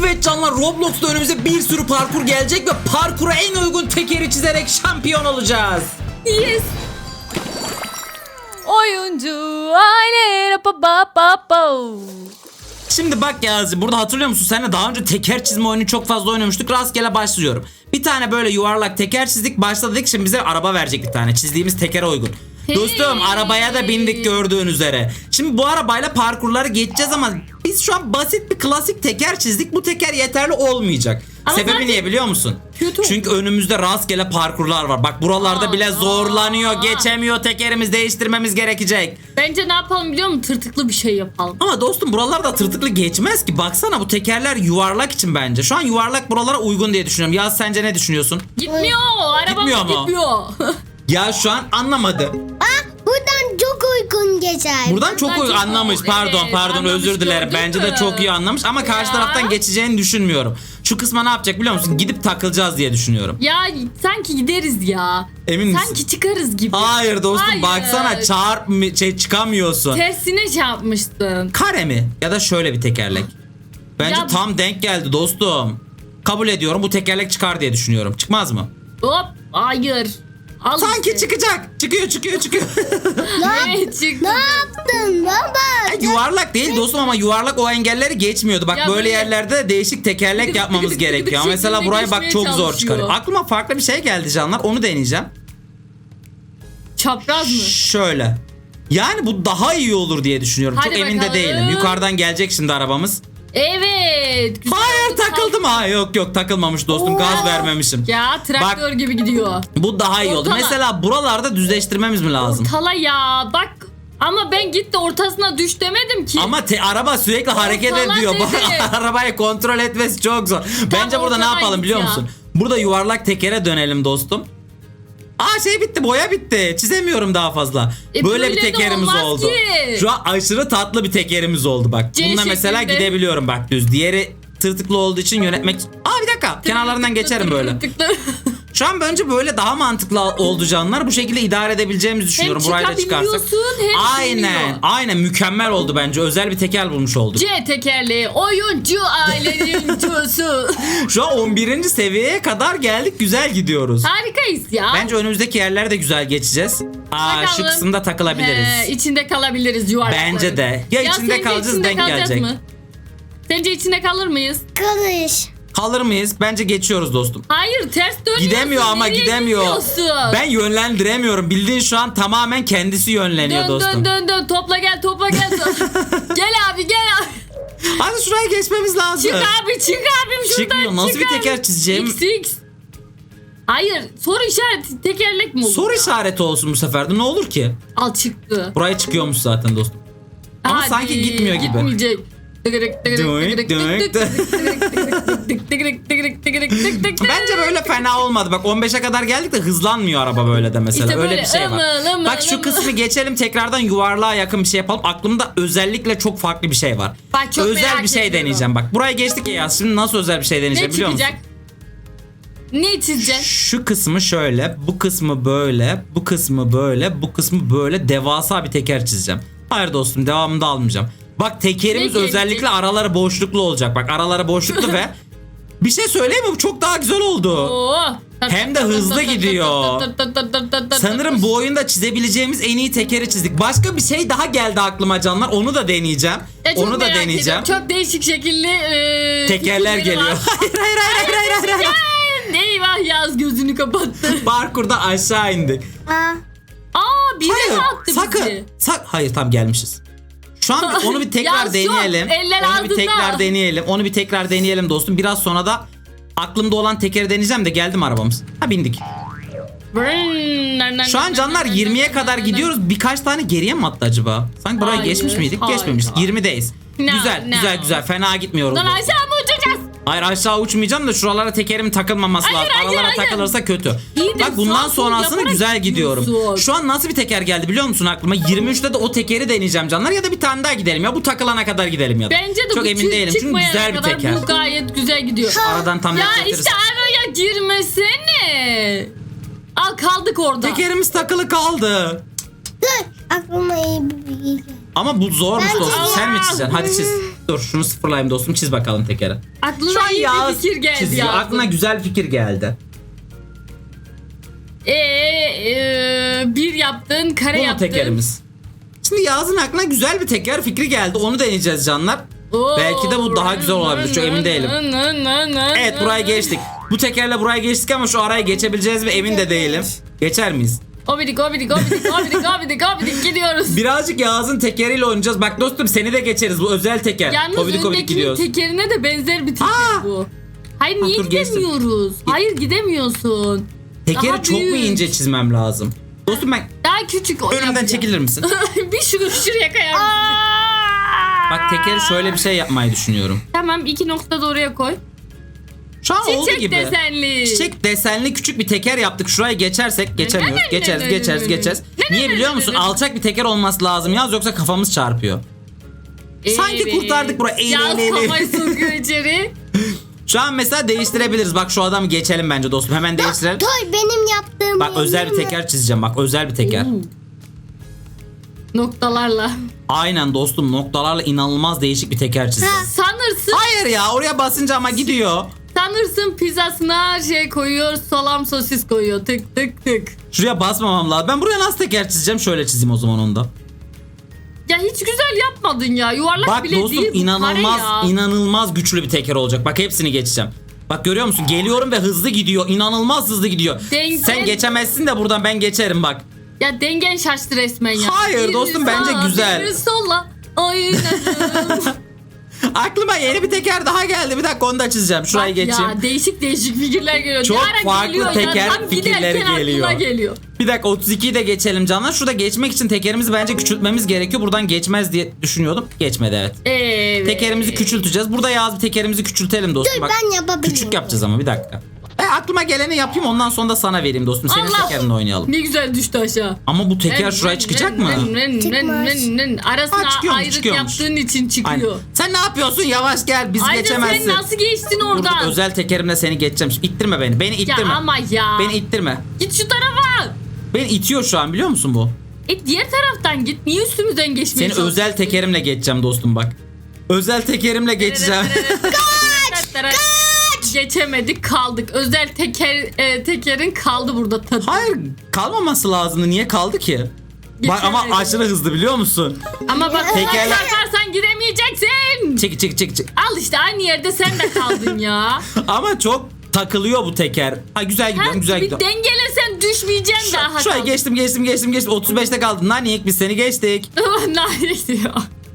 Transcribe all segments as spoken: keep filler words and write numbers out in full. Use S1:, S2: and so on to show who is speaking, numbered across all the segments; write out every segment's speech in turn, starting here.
S1: Evet canlar, Roblox'ta önümüze bir sürü parkur gelecek ve parkura en uygun tekeri çizerek şampiyon olacağız.
S2: Yes. Oyuncu aile pa pa pa pa.
S1: Şimdi bak Yazi, burada hatırlıyor musun? Seninle daha önce teker çizme oyunu çok fazla oynamıştık. Rastgele başlıyorum. Bir tane böyle yuvarlak teker çizdik. Başladık, şimdi bize araba verecek bir tane. Çizdiğimiz tekere uygun. Hey. Dostum, arabaya da bindik gördüğün üzere. Şimdi bu arabayla parkurları geçeceğiz ama biz şu an basit bir klasik teker çizdik. Bu teker yeterli olmayacak. Ama sebebi zaten... niye biliyor musun? Kötü. Çünkü önümüzde rastgele parkurlar var. Bak buralarda aa, bile zorlanıyor. Aa. Geçemiyor tekerimiz, değiştirmemiz gerekecek.
S2: Bence ne yapalım biliyor musun? Tırtıklı bir şey yapalım.
S1: Ama dostum buralarda tırtıklı geçmez ki. Baksana, bu tekerler yuvarlak için bence. Şu an yuvarlak buralara uygun diye düşünüyorum. Ya sence ne düşünüyorsun?
S2: Gitmiyor. Arabamız gitmiyor. gitmiyor.
S1: Ya şu an anlamadım.
S3: Aa, buradan çok uygun geçer.
S1: Buradan çok uygun anlamış. Pardon evet, pardon özür dilerim. Bence de çok iyi anlamış ama ya. Karşı taraftan geçeceğini düşünmüyorum. Şu kısma ne yapacak biliyor musun? Gidip takılacağız diye düşünüyorum.
S2: Ya sanki gideriz ya.
S1: Emin misin?
S2: Sanki çıkarız gibi.
S1: Hayır dostum, hayır. Baksana çarp şey çıkamıyorsun.
S2: Tersine çarpmıştın.
S1: Kare mi? Ya da şöyle bir tekerlek. Bence ya, tam denk geldi dostum. Kabul ediyorum, bu tekerlek çıkar diye düşünüyorum. Çıkmaz mı?
S2: Hop hayır. Al
S1: sanki
S2: işte.
S1: Çıkacak. Çıkıyor çıkıyor çıkıyor.
S3: ne, ne yaptın baba?
S1: E, yuvarlak değil dostum ama yuvarlak o engelleri geçmiyordu. Bak ya böyle, böyle yerlerde değişik tekerlek yapmamız gerekiyor. Ama mesela burayı bak çok zor çıkarıyor. Aklıma farklı bir şey geldi canlar. Onu deneyeceğim.
S2: Çapraz mı?
S1: Şöyle. Yani bu daha iyi olur diye düşünüyorum. Hadi çok bakalım. Emin de değilim. Yukarıdan gelecek şimdi arabamız.
S2: Evet.
S1: Hayır takıldım ha. Yok yok takılmamış dostum. Oo. Gaz vermemişim.
S2: Ya traktör bak, gibi gidiyor.
S1: Bu daha iyi oldu. Mesela buralarda düzleştirmemiz mi lazım?
S2: Ortala ya bak. Ama ben gitti ortasına düş demedim ki.
S1: Ama te, araba sürekli ortala hareket ediyor. Arabayı kontrol etmesi çok zor. Tam bence burada ne yapalım biliyor ya. musun? Burada yuvarlak tekere dönelim dostum. Aa şey bitti, boya bitti. Çizemiyorum daha fazla. E böyle, böyle bir tekerimiz oldu. Ki. Şu an aşırı tatlı bir tekerimiz oldu bak. C bununla mesela gidebiliyorum bak düz. Diğeri tırtıklı olduğu için yönetmek... Aa bir dakika, kenarlarından geçerim böyle. Şu an bence böyle daha mantıklı oldu canlar. Bu şekilde idare edebileceğimizi düşünüyorum. Burayı da çıkarsak. Aynen. Aynen mükemmel oldu bence. Özel bir teker bulmuş olduk.
S2: C tekerleği oyuncu ailenincusu.
S1: Şu an on birinci seviyeye kadar geldik. Güzel gidiyoruz.
S2: Harikayız ya.
S1: Bence önümüzdeki yerler de güzel geçeceğiz. Aa bakalım. Şu kısımda takılabiliriz.
S2: He, içinde kalabiliriz yuvarlakları.
S1: Bence de. Ya, ya içinde kalacağız, içinde denk gelecek. Mı?
S2: Sence içinde kalır mıyız?
S3: Kalır.
S1: Kalır mıyız? Bence geçiyoruz dostum.
S2: Hayır ters dönüyorsun.
S1: Gidemiyor ama nereye gidemiyor. Gidiyorsun? Ben yönlendiremiyorum. Bildiğin şu an tamamen kendisi yönleniyor
S2: dön,
S1: dostum.
S2: Dön dön dön topla gel topla gel. Gel abi gel abi.
S1: Hadi şuraya geçmemiz lazım.
S2: Çık abi çık abim şuradan.
S1: Çıkmıyor. Nasıl
S2: çık
S1: bir
S2: abi.
S1: teker çizeceğim?
S2: X X. Hayır soru işareti tekerlek mi olur?
S1: Soru ya? işareti olsun bu sefer de ne olur ki?
S2: Al çıktı.
S1: Buraya çıkıyormuş zaten dostum. Ama hadi, sanki gitmiyor gibi.
S2: Gitmeyecek.
S1: Bence böyle fena olmadı. Bak on beşe kadar geldik de hızlanmıyor araba böyle de mesela. İşte öyle bir şey var. Imı, ımı, Bak şu ımı. kısmı geçelim, tekrardan yuvarlığa yakın bir şey yapalım. Aklımda özellikle çok farklı bir şey var.
S2: Bak, çok
S1: özel bir şey ediyorum. deneyeceğim. Bak buraya geçtik ya. Şimdi nasıl özel bir şey deneyeceğim ne biliyor musun?
S2: Ne çizeceksin?
S1: Şu kısmı şöyle, bu kısmı böyle, bu kısmı böyle, bu kısmı böyle devasa bir teker çizeceğim. Hayır dostum, devamını da almayacağım. Bak tekerimiz ne özellikle gelecek? Araları boşluklu olacak. Bak araları boşluklu ve bir şey söyleyeyim mi? Bu çok daha güzel oldu. Oo. Hem de hızlı gidiyor. Sanırım bu oyunda çizebileceğimiz en iyi tekeri çizdik. Başka bir şey daha geldi aklıma canlar. Onu da deneyeceğim. Onu da deneyeceğim. Ediyorum.
S2: Çok değişik şekilli e,
S1: tekerler geliyor. hayır hayır hayır hayır hayır. hayır, hayır.
S2: Eyvah Yaz gözünü kapattı.
S1: Parkurda aşağı indik.
S3: Aa.
S2: Aa bir de attı
S1: sakın.
S2: bizi.
S1: Sak hayır tam gelmişiz. Şu an bir, onu bir tekrar deneyelim. Onu altında. bir tekrar deneyelim. Onu bir tekrar deneyelim dostum. Biraz sonra da aklımda olan tekeri deneyeceğim de geldim arabamız. Ha bindik. Şu an canlar yirmiye kadar gidiyoruz. Birkaç tane geriye mi attı acaba? Sanki buraya hayır, geçmiş miydik? Hayır, Geçmemiştik. yirmideyiz. No, güzel no. güzel güzel. Fena gitmiyoruz.
S2: Lan aşağı mı uçacağız?
S1: Hayır aşağı uçmayacağım da şuralara tekerim takılmaması
S2: hayır,
S1: lazım.
S2: Hayır,
S1: Aralara
S2: hayır.
S1: takılırsa kötü.
S2: İyi
S1: Bak bundan sonrasını güzel gidiyorum.
S2: Gidiyorsun.
S1: Şu an nasıl bir teker geldi biliyor musun aklıma? yirmi üçte de o tekeri deneyeceğim canlar ya da bir tane daha gidelim ya bu takılana kadar gidelim ya da.
S2: Bence de
S1: çok
S2: bu
S1: emin değilim çünkü güzel bir teker.
S2: Bu gayet güzel gidiyor.
S1: Aradan tam
S2: ya işte araya girmesene. Al kaldık orada.
S1: Tekerimiz takılı kaldı.
S3: Dur aklıma iyi bir bilgi.
S1: Ama bu zormuş dostum. Sen mi çizeceksin? Hadi çiz. Dur şunu sıfırlayayım dostum, çiz bakalım tekeri. Şu
S2: Aklına
S1: an
S2: iyi
S1: Yağız
S2: bir fikir geldi
S1: çiziyor.
S2: ya.
S1: Aklına güzel fikir geldi.
S2: Ee, e, bir yaptın, kare
S1: Bu mu
S2: yaptın.
S1: tekerimiz? Şimdi Yağız'ın aklına güzel bir teker fikri geldi. Onu deneyeceğiz canlar.
S2: Oo.
S1: Belki de bu daha güzel olabilir. Çok emin değilim. Evet, buraya geçtik. Bu tekerle buraya geçtik ama şu araya geçebileceğiz mi emin de değilim. Geçer miyiz?
S2: Obidik obidik obidik obidik obidik obidik gidiyoruz.
S1: Birazcık Yağız'ın tekeriyle oynayacağız. Bak dostum, seni de geçeriz. Bu özel teker.
S2: Yalnız
S1: Obidik obidik
S2: öndekinin
S1: gidiyoruz.
S2: tekerine de benzer bir teker
S1: Aa!
S2: bu. Hayır niye
S1: dur, geçtim.
S2: gidemiyoruz? Hayır gidemiyorsun.
S1: Tekeri
S2: Daha
S1: çok mu
S2: büyük.
S1: ince çizmem lazım? Dostum ben
S2: Daha küçük o
S1: önümden
S2: yapacağım.
S1: çekilir misin?
S2: Bir şunu şuraya kayar mısın?
S1: Bak tekeri şöyle bir şey yapmayı düşünüyorum.
S2: Tamam, iki nokta da oraya koy.
S1: Şu an oldu
S2: Çiçek
S1: gibi.
S2: desenli.
S1: Çiçek desenli küçük bir teker yaptık. Şuraya geçersek geçemiyoruz.
S2: Ne, ne,
S1: Geçeriz,
S2: ne,
S1: geçeriz,
S2: ne, ne,
S1: geçeriz.
S2: ne,
S1: Niye
S2: ne,
S1: biliyor
S2: ne,
S1: musun?
S2: ne, ne.
S1: Alçak bir teker olması lazım yaz, yoksa kafamız çarpıyor. Sanki
S2: Evet.
S1: kurtardık burayı. Eğil,
S2: Yaz
S1: eğil, eğil.
S2: kafayı sokuyor içeri.
S1: Şu an mesela değiştirebiliriz. Bak şu adamı geçelim bence dostum. Hemen değiştirelim.
S3: Toy benim yaptığım.
S1: Bak özel bir teker çizeceğim. Bak özel bir teker.
S2: Oo. Noktalarla.
S1: Aynen dostum, noktalarla inanılmaz değişik bir teker çizeceğim.
S2: Sanırsın
S1: Hayır ya, oraya basınca ama gidiyor.
S2: sanırsın pizzasına şey koyuyor, salam sosis koyuyor. Tık tık tık.
S1: Şuraya basmamam lazım. Ben buraya nasıl teker çizeceğim? Şöyle çizeyim o zaman onu da.
S2: Ya hiç güzel yapmadın ya. Yuvarlak
S1: Bak
S2: bile
S1: dostum,
S2: değil. bu,
S1: inanılmaz
S2: kare ya.
S1: inanılmaz güçlü bir teker olacak. Bak hepsini geçeceğim. Bak görüyor musun? Geliyorum ve hızlı gidiyor. İnanılmaz hızlı gidiyor.
S2: Denk-
S1: Sen geçemezsin de buradan ben geçerim bak.
S2: Ya dengen şaştı resmen ya.
S1: Hayır
S2: Bir
S1: dostum, bence
S2: sağa,
S1: güzel.
S2: Bir sola. Aynen.
S1: Aklıma yeni bir teker daha geldi. Bir dakika onu da çizeceğim. Şurayı
S2: Bak
S1: geçeyim.
S2: ya, değişik değişik fikirler geliyor.
S1: Çok
S2: Ne ara
S1: farklı
S2: geliyor
S1: teker
S2: ya, tam
S1: fikirleri
S2: giderken
S1: geliyor.
S2: aklına geliyor.
S1: Bir dakika, otuz ikiyi de geçelim canlar. Şurada geçmek için tekerimizi bence küçültmemiz gerekiyor. Buradan geçmez diye düşünüyordum. Geçmedi evet.
S2: Evet.
S1: Tekerimizi küçülteceğiz. Burada Yağız bir tekerimizi küçültelim dostum.
S3: Dur,
S1: Bak,
S3: ben yapabilirim.
S1: küçük yapacağız ama bir dakika. E, aklıma geleni yapayım, ondan sonra da sana vereyim dostum. Senin
S2: Allah!
S1: tekerinle oynayalım.
S2: Ne güzel düştü aşağı.
S1: Ama bu teker
S2: Nen,
S1: şuraya
S2: nen,
S1: çıkacak
S2: nen,
S1: mı?
S2: nen, nen,
S3: Çıkmaz.
S2: nen, nen. Arasına
S1: Ha, çıkıyormuş,
S2: ayrık
S1: çıkıyormuş.
S2: yaptığın için çıkıyor.
S1: Aynen. Sen ne yapıyorsun? Yavaş gel, biz
S2: Ayrıca
S1: geçemezsin.
S2: sen nasıl geçtin
S1: Dur, dur,
S2: oradan?
S1: özel tekerimle seni geçeceğim. Şimdi İttirme beni. Beni
S2: Ya
S1: ittirme.
S2: ama ya.
S1: Beni ittirme.
S2: Git şu tarafa.
S1: Beni itiyor şu an, biliyor musun bu?
S2: E diğer taraftan git. Niye üstümüzden geçmeye
S1: Seni
S2: çalışıyorsun?
S1: özel tekerimle geçeceğim dostum bak. Özel tekerimle geçeceğim.
S2: Kaç! Kaç! Geçemedik, kaldık. Özel teker e, tekerin kaldı burada tadı.
S1: Hayır, kalmaması lazımdı. Niye kaldı ki? Bak ama
S2: Geçemedi.
S1: aşırı hızlı, biliyor musun?
S2: Ama bak
S1: Tekerle-
S2: çarparsan gidemeyeceksin.
S1: Çık çık çık çık.
S2: Al işte, aynı yerde sen de kaldın ya.
S1: Ama çok takılıyor bu teker. Ha güzel gidiyorum,
S2: Ha,
S1: güzel
S2: bir
S1: gidiyorum.
S2: dengelesen düşmeyeceksin daha.
S1: Şuraya geçtim geçtim geçtim geçtim. otuz beşte kaldın. Nanik biz seni geçtik.
S2: Nanik diyor.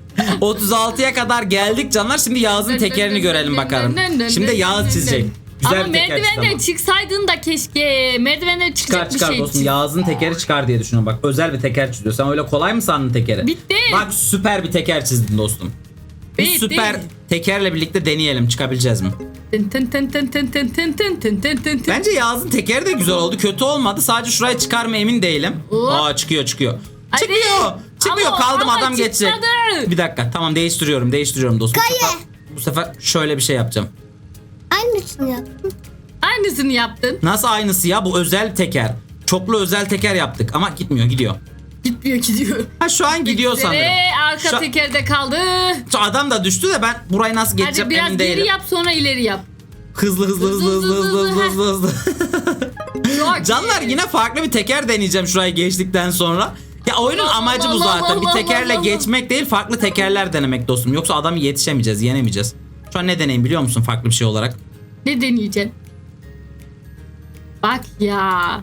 S1: otuz altıya kadar geldik canlar. Şimdi Yağız'ın tekerini görelim bakalım. Şimdi Yağız çizecek. Güzel
S2: Ama
S1: bir teker çizdi
S2: merdivenden
S1: ama.
S2: çıksaydın da keşke. Merdivenden çıkacak
S1: Çıkar
S2: bir
S1: çıkar
S2: şey
S1: dostum.
S2: çiz.
S1: Yağız'ın tekeri çıkar diye düşünüyorum. Bak özel bir teker çiziyor. Sen öyle kolay mı sandın tekeri?
S2: Bitti.
S1: Bak süper bir teker çizdin dostum. Bu
S2: Bitti.
S1: süper tekerle birlikte deneyelim. Çıkabileceğiz mi?
S2: Tın tın tın tın tın tın tın tın tın tın tın tın.
S1: Bence Yağız'ın tekeri de güzel oldu. Kötü olmadı. Sadece şuraya çıkar mı emin değilim.
S2: Hop.
S1: Aa çıkıyor çıkıyor.
S2: Hadi.
S1: Çıkmıyor. Çıkmıyor.
S2: Ama-
S1: Kaldım,
S2: ama
S1: adam geçecek.
S2: çıkmadı.
S1: Bir dakika. Tamam değiştiriyorum. Değiştiriyorum dostum. Bu
S3: Kaya.
S1: sefer, bu sefer şöyle bir şey yapacağım.
S3: Aynısını yaptım.
S2: Aynısını yaptın.
S1: Nasıl aynısı ya? Bu özel teker. Çoklu özel teker yaptık ama gitmiyor, gidiyor.
S2: Gitmiyor, gidiyor.
S1: Ha şu an gidiyor sanırım.
S2: Ve arka
S1: Şu-
S2: tekerde kaldı.
S1: Şu adam da düştü de ben burayı nasıl
S2: Hadi
S1: geçeceğim
S2: biraz
S1: emin
S2: geri
S1: değilim.
S2: yap, sonra ileri yap.
S1: Hızlı hızlı hızlı hızlı hızlı hızlı hızlı hızlı.
S2: Çok
S1: Canlar
S2: iyi.
S1: yine farklı bir teker deneyeceğim şurayı geçtikten sonra. Ya oyunun
S2: Allah
S1: amacı bu
S2: Allah
S1: zaten.
S2: Allah
S1: Bir tekerle
S2: Allah.
S1: geçmek değil, farklı tekerler denemek dostum. Yoksa adamı yetişemeyeceğiz, yenemeyeceğiz. Şu an ne deneyim biliyor musun farklı bir şey olarak?
S2: Ne deneyeceksin? Bak ya.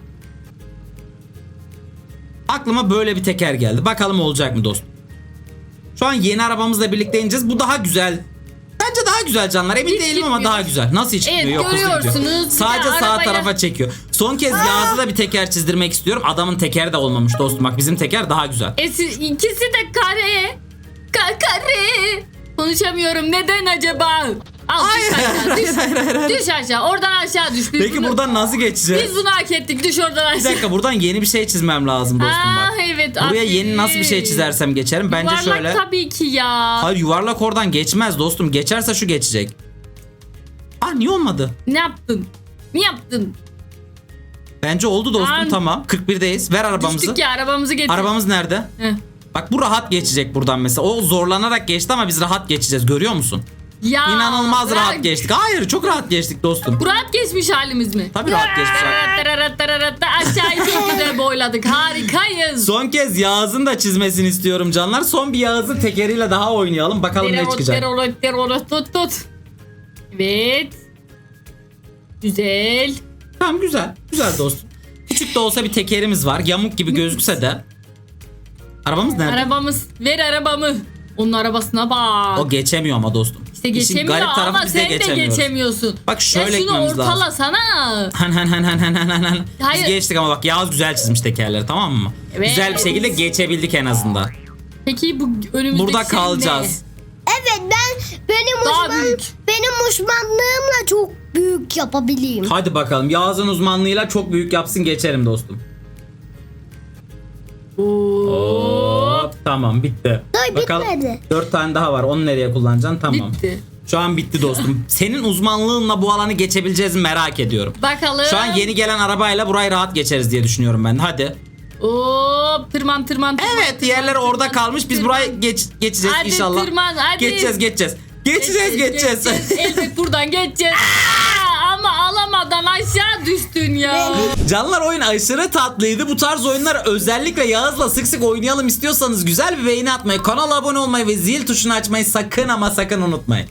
S1: Aklıma böyle bir teker geldi. Bakalım olacak mı dostum? Şu an yeni arabamızla birlikte ineceğiz. Bu daha güzel. Bence daha güzel canlar. Emin
S2: Hiç
S1: değilim ama
S2: gitmiyor.
S1: daha güzel. Nasıl hiç
S2: Evet,
S1: gitmiyor? Yok, hızlı gidiyor.
S2: görüyorsunuz. Bir
S1: Sadece
S2: de
S1: sağ
S2: arabaya-
S1: tarafa çekiyor. Son kez Yağız'a da bir teker çizdirmek istiyorum. Adamın tekeri de olmamış dostum. Bak bizim teker daha güzel.
S2: E, siz- ikisi de kare. Ka kare. Konuşamıyorum. Neden acaba? Al
S1: Hayır,
S2: düş aşağı. Düş,
S1: hayır, hayır, hayır.
S2: düş aşağı. Oradan aşağı düş. Biz
S1: Peki
S2: bunu,
S1: buradan nasıl geçeceğiz?
S2: Biz bunu hak ettik. Düş oradan
S1: Bir
S2: aşağı.
S1: dakika, buradan yeni bir şey çizmem lazım dostum
S2: Aa,
S1: bak.
S2: evet.
S1: Buraya
S2: aferin.
S1: yeni nasıl bir şey çizersem geçerim. Bence
S2: Yuvarlak
S1: şöyle.
S2: tabii ki ya.
S1: Hayır, yuvarlak oradan geçmez dostum. Geçerse şu geçecek. Ah niye olmadı?
S2: Ne yaptın? Ne yaptın?
S1: Bence oldu dostum,
S2: An-
S1: tamam. kırk birdeyiz. Ver arabamızı.
S2: Düştük ya, arabamızı getir.
S1: Arabamız nerede?
S2: Heh.
S1: Bak bu rahat geçecek buradan mesela. O zorlanarak geçti ama biz rahat geçeceğiz. Görüyor musun?
S2: Ya,
S1: İnanılmaz
S2: bırak.
S1: rahat geçtik. Hayır çok rahat geçtik dostum.
S2: Bu rahat geçmiş halimiz mi?
S1: Tabii rahat geçmiş.
S2: Aşağıyı çok güzel boyladık. Harikayız.
S1: Son kez Yağız'ın da çizmesini istiyorum canlar. Son bir Yağız'ın tekeriyle daha oynayalım. Bakalım ne çıkacak.
S2: Terorot, terorot, tut tut. Evet. Güzel.
S1: Tamam güzel. Güzel dostum. Küçük de olsa bir tekerimiz var. Yamuk gibi gözükse de. Arabamız nerede?
S2: Arabamız. Ver arabamı. Onun arabasına bak.
S1: O geçemiyor ama dostum.
S2: İşte
S1: İşin
S2: geçemiyor
S1: garip tarafı
S2: ama
S1: biz de
S2: sen de
S1: geçemiyoruz.
S2: geçemiyorsun.
S1: Bak şöyle
S2: ya şunu
S1: gitmemiz lazım.
S2: ortalasana.
S1: Han han han han han han han. Biz
S2: Hayır.
S1: geçtik ama bak Yağız güzel çizmiş tekerleri, tamam mı?
S2: Evet.
S1: Güzel bir şekilde geçebildik en azından.
S2: Peki bu önümüzdeki
S1: Burada
S2: şey
S1: kalacağız.
S3: Evet ben benim
S2: Daha
S3: uzman
S2: büyük.
S3: benim uzmanlığımla çok büyük yapabileyim.
S1: Hadi bakalım Yağız'ın uzmanlığıyla çok büyük yapsın, geçerim dostum.
S2: ne? Oo.
S1: Hop, tamam bitti.
S3: Hayır,
S1: Bakalım,
S3: bitmedi.
S1: dört tane daha var, onu nereye kullanacaksın? Tamam.
S2: Bitti.
S1: Şu an bitti dostum. Senin uzmanlığınla bu alanı geçebileceğiz mi merak ediyorum.
S2: Bakalım.
S1: Şu an yeni gelen arabayla burayı rahat geçeriz diye düşünüyorum ben. Hadi.
S2: Hop tırman tırman. tırman
S1: Evet, yerler
S2: tırman,
S1: orada
S2: tırman,
S1: kalmış. Biz
S2: tırman.
S1: burayı geç, geçeceğiz
S2: Hadi
S1: inşallah.
S2: tırman, hadi.
S1: Geçeceğiz, geçeceğiz. Geçeceğiz, geçeceğiz.
S2: Elbet buradan geçeceğiz. Aa, ama alamadan aşağı düştün ya.
S1: Canlar, oyun aşırı tatlıydı. Bu tarz oyunlar özellikle Yağız'la sık sık oynayalım istiyorsanız güzel bir beğeni atmayı, kanala abone olmayı ve zil tuşunu açmayı sakın ama sakın unutmayın.